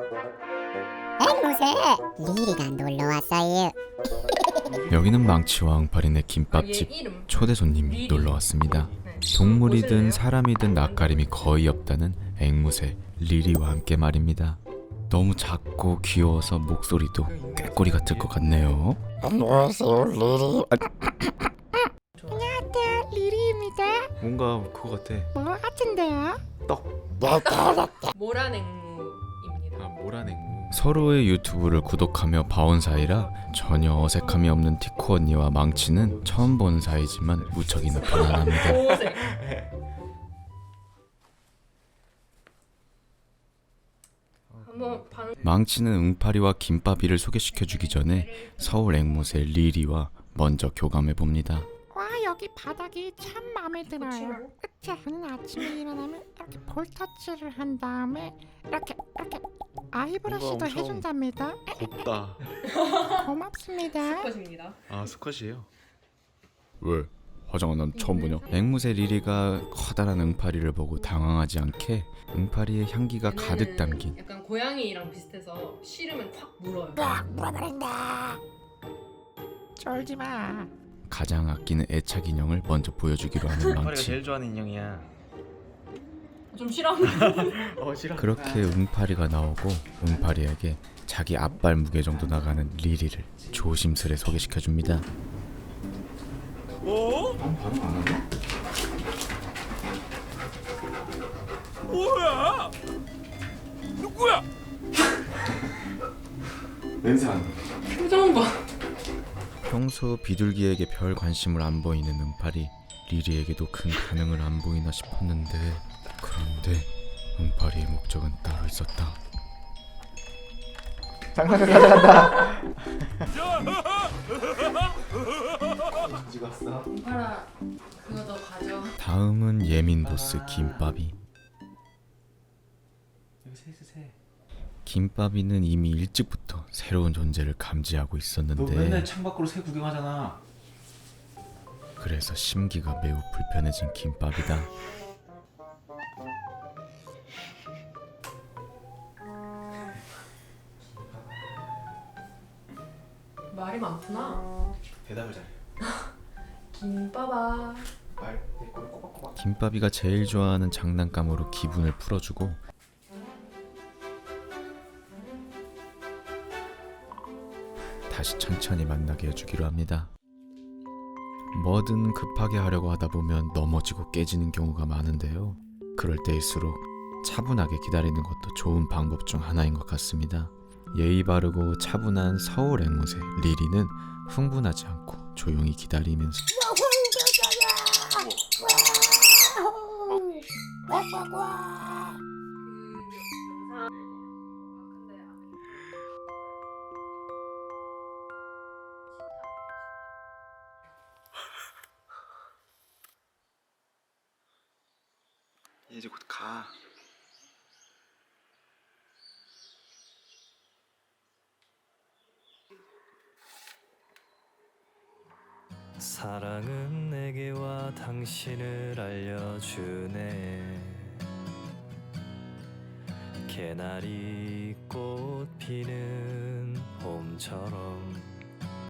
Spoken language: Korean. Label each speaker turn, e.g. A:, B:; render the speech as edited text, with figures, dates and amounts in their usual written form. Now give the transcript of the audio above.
A: 앵무새 리리가 놀러왔어요.
B: 여기는 망치와 응팔이네 김밥집. 초대 손님이 놀러왔습니다. 동물이든 사람이든 낯가림이 거의 없다는 앵무새 리리와 함께 말입니다. 너무 작고 귀여워서 목소리도 꾀꼬리 같을 것 같네요.
A: 안녕하세요, 리리.
C: 안녕하세요, 리리입니다.
B: 뭔가 그거 같아.
C: 뭐 같은데요?
D: 모란앵무입니다.
B: 모란앵무. 서로의 유튜브를 구독하며 봐온 사이라 전혀 어색함이 없는 티코 언니와 망치는 처음 본 사이지만 무척이나 편안합니다.
D: 보호색. 한번 방.
B: 망치는 응파리와 김밥이를 소개시켜주기 전에 서울 앵무새 리리와 먼저 교감해봅니다.
C: 와, 여기 바닥이 참 마음에 들어요. 그치? 저는 아침에 일어나면 이렇게 볼터치를 한 다음에 이렇게 아이브러쉬도 해준답니다.
B: 곱다.
C: 고맙습니다.
D: 것입니다.
B: 아, 수컷이에요? 왜? 화장한 난 처음 보냐? 앵무새 리리가 커다란 응파리를 보고 당황하지 않게 응파리의 향기가 가득 담긴
D: 약간 고양이랑 비슷해서 싫으면 콱 물어요.
C: 물어버린다. 쫄지 마.
B: 가장 아끼는 애착 인형을 먼저 보여주기로 하는
E: 응파리가
B: 망치.
E: 제일 좋아하는 인형이야.
D: 좀 싫어하는.
E: 싫어.
B: 그렇게 응파리가 나오고 응파리에게 자기 앞발 무게 정도 나가는 리리를 조심스레 소개시켜줍니다.
E: 어?
B: 반응 안 하네?
E: 뭐야? 누구야?
B: 냄새 안 나.
D: 표정 봐.
B: 평소 비둘기에게 별 관심을 안 보이는 응파리. 리리에게도 큰 반응을 안 보이나 싶었는데, 그런데 응파리의 목적은 따로 있었다.
E: 장난감 가져간다.
D: 봐라. 그거 너 가져.
B: 다음은 예민 보스 김밥이.
E: 여기 새.
B: 김밥이는 이미 일찍부터 새로운 존재를 감지하고
E: 너
B: 있었는데,
E: 맨날 창밖으로 새 구경하잖아.
B: 그래서 심기가 매우 불편해진 김밥이다.
D: 말이 많구나.
E: 대답을 잘해.
D: 김밥아.
E: 말 꼬리 꼬박꼬박.
B: 김밥이가 제일 좋아하는 장난감으로 기분을 풀어주고, 다시 천천히 만나게 해주기로 합니다. 뭐든 급하게 하려고 하다 보면 넘어지고 깨지는 경우가 많은데요. 그럴 때일수록 차분하게 기다리는 것도 좋은 방법 중 하나인 것 같습니다. 예의 바르고 차분한 서울 앵무새 리리는 흥분하지 않고 조용히 기다리면서
E: 이제 곧 가.
F: 사랑은 내게 와 당신을 알려주네. 개나리 꽃 피는 봄처럼